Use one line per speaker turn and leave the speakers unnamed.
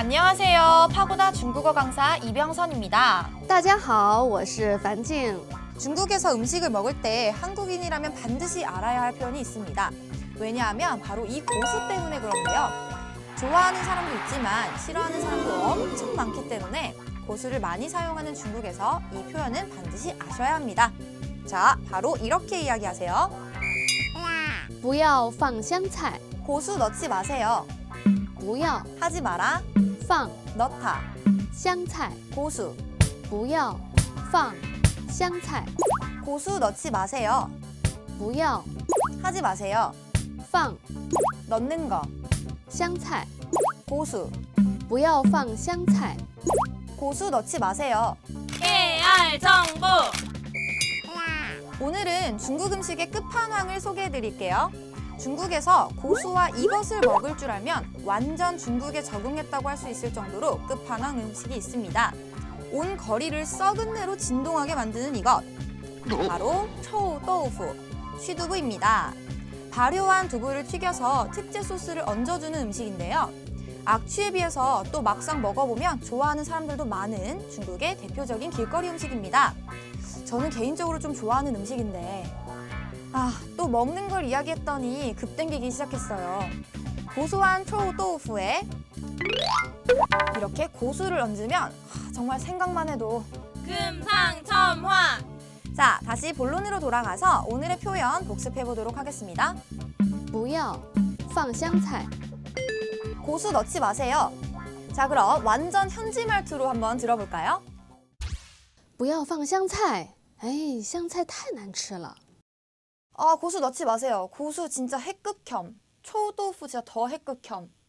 안녕하세요. 파고다 중국어 강사 이병선입니다.
大家好，我是樊静。
중국에서 음식을 먹을 때 한국인이라면 반드시 알아야 할 표현이 있습니다. 왜냐하면 바로 이 고수 때문에 그런데요. 좋아하는 사람도 있지만 싫어하는 사람도 엄청 많기 때문에 고수를 많이 사용하는 중국에서 이 표현은 반드시 아셔야 합니다. 자, 바로 이렇게 이야기하세요.
不要放香菜，
고수 넣지 마세요.
不要
하지 마라.
放
넣다.
香菜，
고수.
不要放香菜，
고수 넣지 마세요.
不要
하지 마세요.
放
넣는 거.
香菜，
고수.
不要放香菜。
고수 넣지 마세요.
깨알 정보.
오늘은 중국 음식의 끝판왕을 소개해 드릴게요. 중국에서 고수와 이것을 먹을 줄 알면 완전 중국에 적응했다고 할 수 있을 정도로 끝판왕 음식이 있습니다. 온 거리를 썩은 내로 진동하게 만드는 이것. 바로 초우豆腐, 쉬두부입니다. 발효한 두부를 튀겨서 특제 소스를 얹어주는 음식인데요. 악취에 비해서 또 막상 먹어보면 좋아하는 사람들도 많은 중국의 대표적인 길거리 음식입니다. 저는 개인적으로 좀 좋아하는 음식인데 또 먹는 걸 이야기했더니 급땡기기 시작했어요. 고소한 초우豆腐에 이렇게 고수를 얹으면 정말 생각만 해도
금상첨화.
자, 다시 본론으로 돌아가서 오늘의 표현 복습해 보도록 하겠습니다.
不要放香菜，
고수 넣지 마세요. 자, 그럼 완전 현지 말투로 한번 들어볼까요?
不要放香菜。哎，香菜太难吃了。
고수 넣지 마세요. 고수 진짜 핵극혐. 초우豆腐진짜 더 핵극혐.